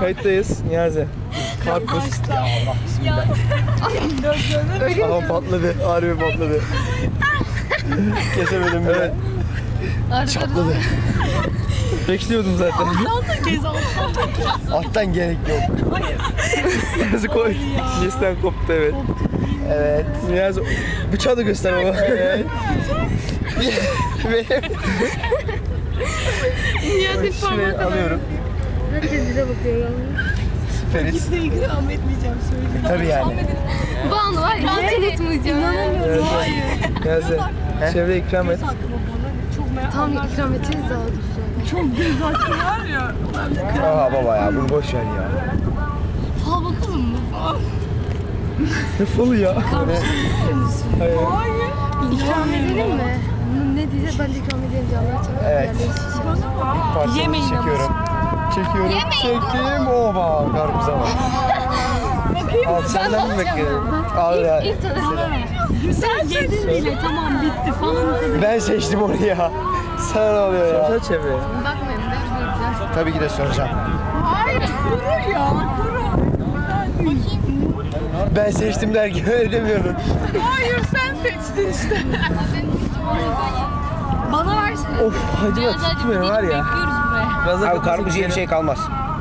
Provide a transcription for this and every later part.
Kayıttayız Niyazi. Karpuz. Allah bismillah. Aha patladı. Harbi patladı. Kesemedim bile. Evet. Çatladı. Bekliyordum zaten. Alttan gerek yok. Niyazi koy. Cinsten koptu evet. Evet. Niyazi bıçağı da göster baba. Evet. Niyazi Şurayı alıyorum. Herkes bize bakıyor. Feris. Kimse ikram etmeyeceğim söyleyeyim. Tabii yani. Banu var ya rahat etmeyeceğim. Evet. Niyazi. Çevre ikram et. Çok merak Tam ikram edeceğiz daha dur. Çok göz hakkı var ya. Aa baba ya bunu boş ver ya. Fal bakalım mı? Ne falı ya? Hayır. İkram edelim mi? Ne diyeceğiz? Ben de ikram edelim diye Allah çabuk Evet. yerleşeceğim. Yemeyin ama. Çekiyorum. Çekiyorum. Çektim. Oba karpuza bak. Al senden mi bekliyorum? Al ya. İlk tanışma. Sen yedin bile tamam bitti falan. Ben seçtim onu ya. Sana ne oluyor ya? Sorsana çevreye. Bakmayın ben güzel. Tabii ki de soracağım. Hayır kuru ya kuru. Ben seçtim derken öyle demiyordun. Hayır sen seçtin işte. Bana versene. Of hacıma tutmuyor var ya. Gaza Abi karpuz yiyen şey kalmaz.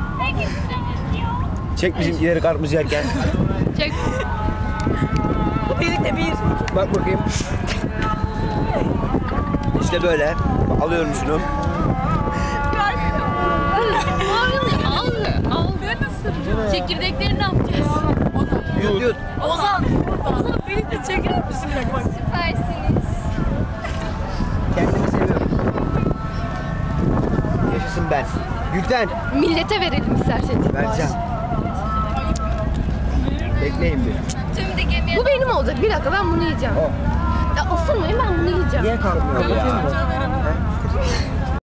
Çek bizimkileri karpuz yerken. Çek. Birlikte bir. Bak bakayım. İşte böyle. Alıyorum şunu. Al. Çekirdekleri ne yapacağız? Yut yut. Ozan birlikte çeker misin? Bak. Süpersiniz. Kendimi seviyorum. Yaşasın ben. Gülten. Millete verelim isterseniz. Vereceğim. Bekleyin bir. Bu benim olacak. Bir dakika ben bunu yiyeceğim. O. Ya ısırmayın ben bunu yiyeceğim. Niye kalkmıyor ya?